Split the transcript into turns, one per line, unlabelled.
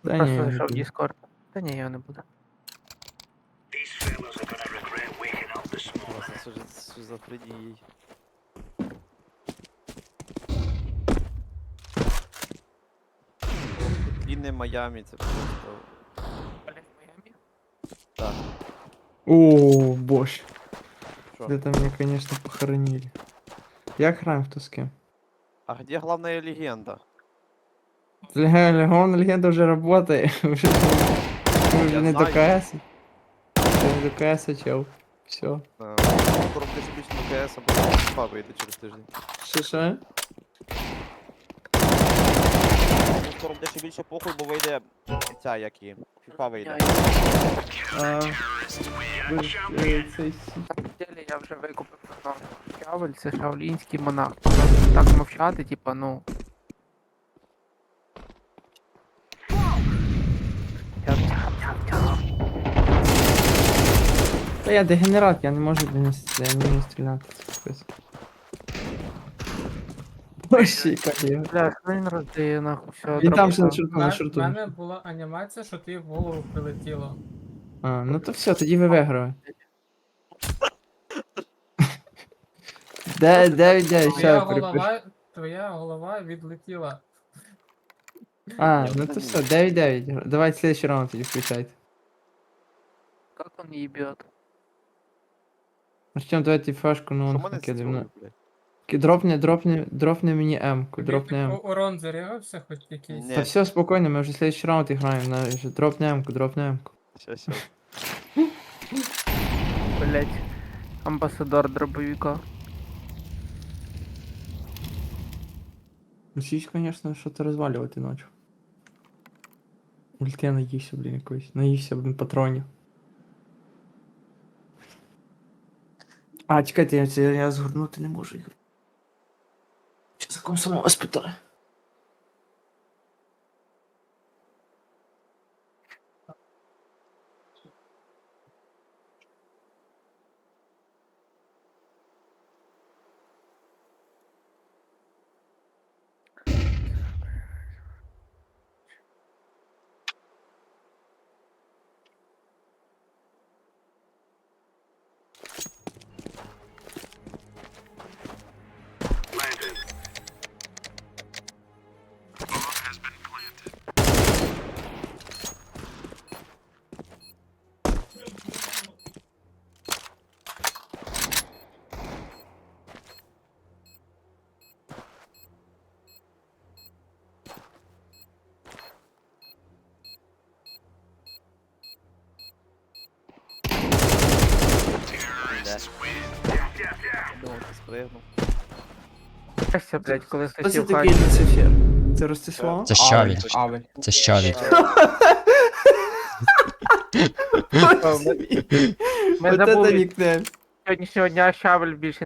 Да
Просто
ні, не
зайшов в
буду.
Discord. Та ні, я не буду.
Просто з шизофренією. Длинне Майами, це просто...
Олег в Майамі?
Так,
О, боже.
що?
Это меня, конечно, похоронили. Я граем в тоске.
А где главная легенда?
Легон легенда уже работает. Уже
Я
не до
знаю.
КС. Уже не до КС, чел. Все.
Скоро буде більше на КС, або FIFA вийде через тиждень.
Що?
Ну, скоро буде ще більше похуй, бо вийде ця, як і FIFA вийде.
Цей
На самом деле я вже викупив одного Щавель, це шаолінський монах. Так мовчати, типа, ну.
Та я дегенерат, я не можу я не вмію стріляти. Це капець. Боже, яка я.
Бля, що він роздає, нахуй, все,
Він там же на
дропав.
шорту, на
В
шорту.
мене була анімація, що ти в голову прилетіло.
А, ну то все, тоді ви виграли. Де,
Твоя
ще перепишу.
твоя голова відлетіла.
А, ну то все, 9-9. Давайте следующий раунд тоді включайте.
Как он ебет?
Артем, давайте фашку, ну
Що
он
мене
накидав. Ну.
зацілує, блядь?
Дропни мені М-ку,
Тобі
дропни М.
урон зарягався хоч якийсь.
Ні.
Та все, спокойно, мы уже следующий раунд играем. Дропни М-ку, дропни М-ку.
Щас.
Блять. Амбасадор дробовика.
Учись, конечно, что-то разваливать ночью. Или ты наївся, блин, якось. Наївся, блин, патронів. А, чекайте, я згорнути не можу їх. Чи за ком самого спитаю?
Думав, ти спригнув.
Щастя, блять, коли
Хто
хтось
це
в
такий
хаті.
Люцифер? Це Ростислав?
Це Щавель.
Авель.
Це Щавель.
Ми
Вот это
забули
нікнейм.
сьогоднішнього дня Щавель більше